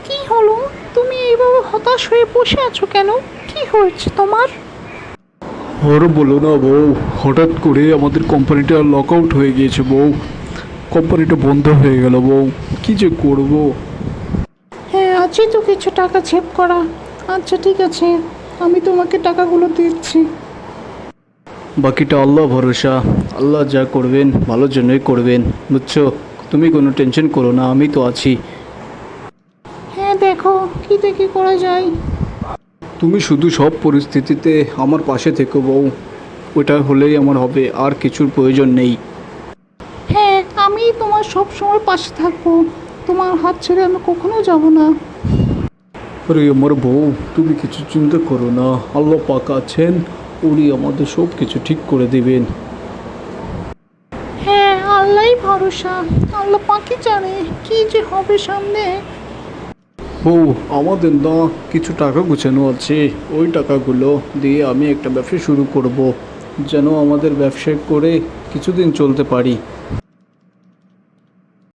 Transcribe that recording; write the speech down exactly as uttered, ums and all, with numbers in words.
কি হলো? তুমি এইভাবে হতাশ হয়ে বসে আছো কেন? কি হয়েছে তোমার? আর বলো না বউ, হঠাৎ করে আমাদের কোম্পানিটা লক আউট হয়ে গিয়েছে বউ। কোম্পানিটা বন্ধ হয়ে গেল বউ, কি যে করব। হ্যাঁ, আছে তো কিছু টাকা সেভ করা। আচ্ছা ঠিক আছে, আমি তোমাকে টাকাগুলো দিচ্ছি। বাকিটা আল্লাহ ভরসা, আল্লাহ যা করবেন ভালোর জন্যই করবেন, বুঝছো? তুমি কোনো টেনশন করো না, আমি তো আছি। হ্যাঁ, দেখো কি থেকে করা যায়। তুমি শুধু সব পরিস্থিতিতে আমার পাশে থেকো বউ, ওটা হলেই আমার হবে, আর কিছুর প্রয়োজন নেই। হ্যাঁ, আমি তোমার সব সময় পাশে থাকবো। তোমার হাত ছেড়ে আমি কখনো যাব না। আরে আমার বউ, তুমি কিছু চিন্তা করো না, আল্লাহ পাক আছেন, উনি আমাদের সব কিছু ঠিক করে দিবেন। হ্যাঁ, আল্লাহই ভরসা। আল্লাহ পাকি জানে কি যে হবে সামনে। বউ, আমাদের না কিছু টাকা গুছানো আছে, ওই টাকাগুলো দিয়ে আমি একটা ব্যবসা শুরু করব, যেন আমাদের ব্যবসা করে কিছুদিন চলতে পারি।